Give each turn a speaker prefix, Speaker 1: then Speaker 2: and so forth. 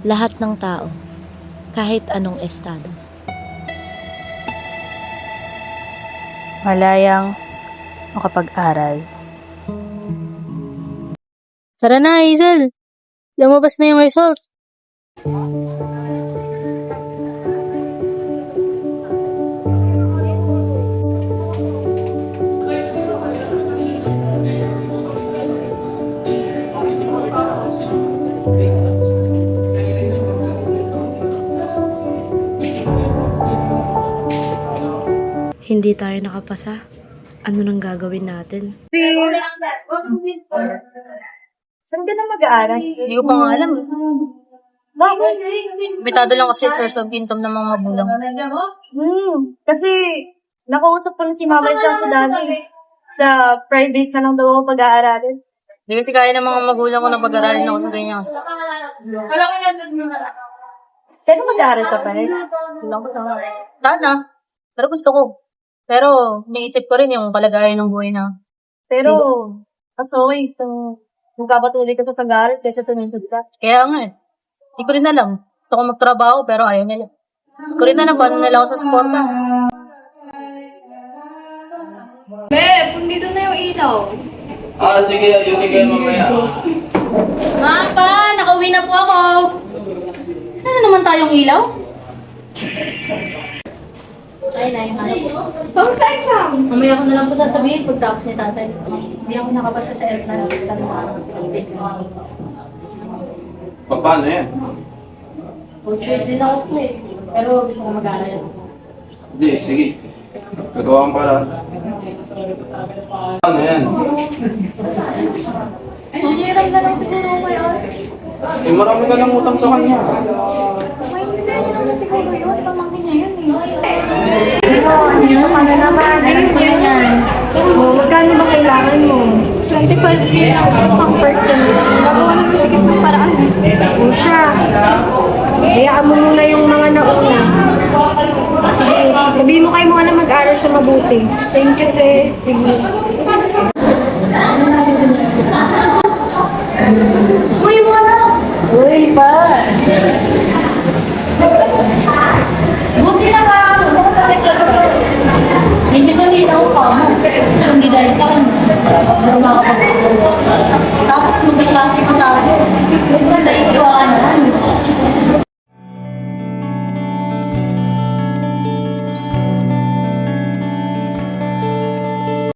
Speaker 1: lahat ng tao, kahit anong estado.
Speaker 2: Malayang makapag-aral. Tara na, Hazel! Lumabas na yung result.
Speaker 1: Hindi tayo nakapasa. Ano nang gagawin natin?
Speaker 3: Saan ka na mag-aaral?
Speaker 2: Hindi ko pa nga alam.
Speaker 3: Bakit?
Speaker 2: Bitado lang kasi source of income ng mga magulang.
Speaker 3: Kasi nakausap ko na si mama at sa daddy. Sa private ka lang daw ako pag-aaralin.
Speaker 2: Hindi kasi kaya ng mga magulang ko na pag-aralin ako sa ganyan.
Speaker 3: Pero mag-aaral ka pa rin.
Speaker 2: Sana. Pero gusto ko. Pero, naisip ko rin yung kalagayan ng buhay na.
Speaker 3: Pero, mas okay kung magkapatuloy ka sa pag-aaral kaysa tumintod ka.
Speaker 2: Kaya nga eh. Hindi ko rin alam. Gusto ko magtrabaho pero ayaw nila. Hindi ko rin alam paano nila ako sa suporta.
Speaker 3: Dito na yung ilaw.
Speaker 4: Sige, ayusin ko yan mamaya.
Speaker 2: Ma, pa! Nakauwi na po ako! Ano naman tayong ilaw? Ay, hanap ko. Mamaya ko na lang po sasabihin pagtapos ni tatay. Hindi ako nakapasa sa airplane sa mga
Speaker 4: Paano yan?
Speaker 2: choice din ako po eh. Pero gusto ko mag-aaral.
Speaker 4: Hindi, sige. Gagawa kang para. Ano yan?
Speaker 3: Hihiram na lang siguro kay ate.
Speaker 4: Marami ka lang utang sa kanya.
Speaker 3: May hindi niya naman siguro yun. Pamangkin niya yun eh. Ano naman? Ayun ko yan. Magkano ba kailangan mo? 25K pang person. Nagawa naman sige ng paraan. O siya. Hayaan mo muna yung mga nauna. Sige, sabihin mo kay mo na mag-aral siya mabuti. Thank you, te. Sige. Uy, mga! Uy, pa! Buti na ka! Medyo sanita ko pa mo. Hindi dahil sa akin. Tapos magkaklase ko tayo. Huwag na naiiwanan.